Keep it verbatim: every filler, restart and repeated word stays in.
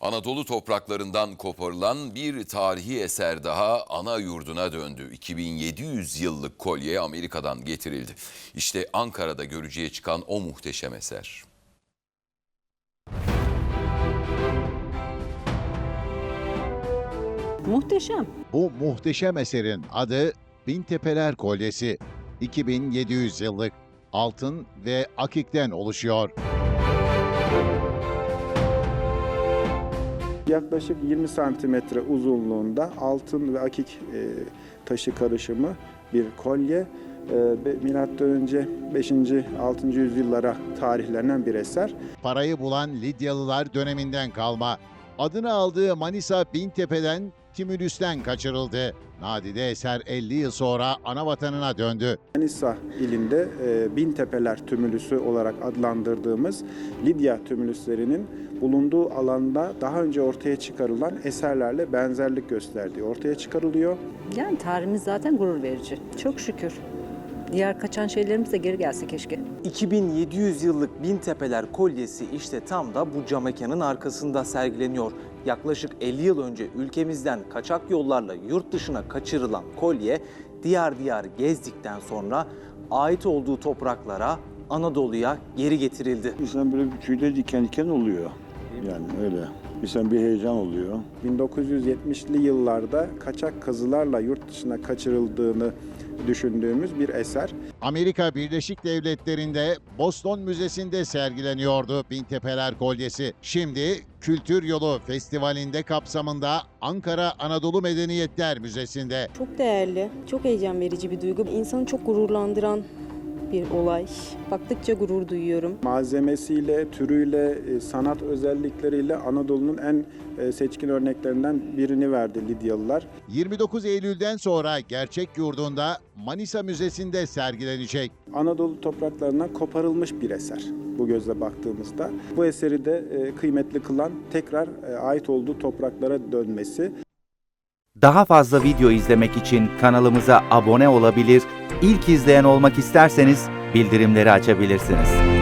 Anadolu topraklarından koparılan bir tarihi eser daha ana yurduna döndü. iki bin yedi yüz yıllık kolye Amerika'dan getirildi. İşte Ankara'da görücüye çıkan o muhteşem eser. Muhteşem. Bu muhteşem eserin adı Bintepeler Kolyesi. iki bin yedi yüz yıllık altın ve akikten oluşuyor. Yaklaşık yirmi santimetre uzunluğunda altın ve akik e, taşı karışımı bir kolye. E, Milattan önce beşinci altıncı yüzyıllara tarihlenen bir eser. Parayı bulan Lidyalılar döneminden kalma. Adını aldığı Manisa Bintepe'den Timülüs'ten kaçırıldı. Nadide eser elli yıl sonra ana vatanına döndü. Manisa ilinde e, Bintepeler Tümülüsü olarak adlandırdığımız Lidya tümülüslerinin bulunduğu alanda daha önce ortaya çıkarılan eserlerle benzerlik gösterdiği ortaya çıkarılıyor. Yani tarihimiz zaten gurur verici. Çok şükür. Diğer kaçan şeylerimiz de geri gelse keşke. iki bin yedi yüz yıllık Bintepeler Kolyesi işte tam da bu cam mekanın arkasında sergileniyor. Yaklaşık elli yıl önce ülkemizden kaçak yollarla yurt dışına kaçırılan kolye diyar diyar gezdikten sonra ait olduğu topraklara, Anadolu'ya geri getirildi. İnsan böyle bir tüyleri diken diken oluyor. Yani öyle. İnsan bir heyecan oluyor. bin dokuz yüz yetmişli yıllarda kaçak kazılarla yurt dışına kaçırıldığını düşündüğümüz bir eser. Amerika Birleşik Devletleri'nde Boston Müzesi'nde sergileniyordu Bintepeler Kolyesi. Şimdi Kültür Yolu Festivali'nde kapsamında Ankara Anadolu Medeniyetler Müzesi'nde. Çok değerli, çok heyecan verici bir duygu. İnsanı çok gururlandıran bir olay. Baktıkça gurur duyuyorum. Malzemesiyle, türüyle, sanat özellikleriyle Anadolu'nun en seçkin örneklerinden birini verdi Lidyalılar. yirmi dokuz Eylül'den sonra gerçek yurdunda Manisa Müzesi'nde sergilenecek. Anadolu topraklarından koparılmış bir eser bu gözle baktığımızda. Bu eseri de kıymetli kılan tekrar ait olduğu topraklara dönmesi. Daha fazla video izlemek için kanalımıza abone olabilir, ilk izleyen olmak isterseniz bildirimleri açabilirsiniz.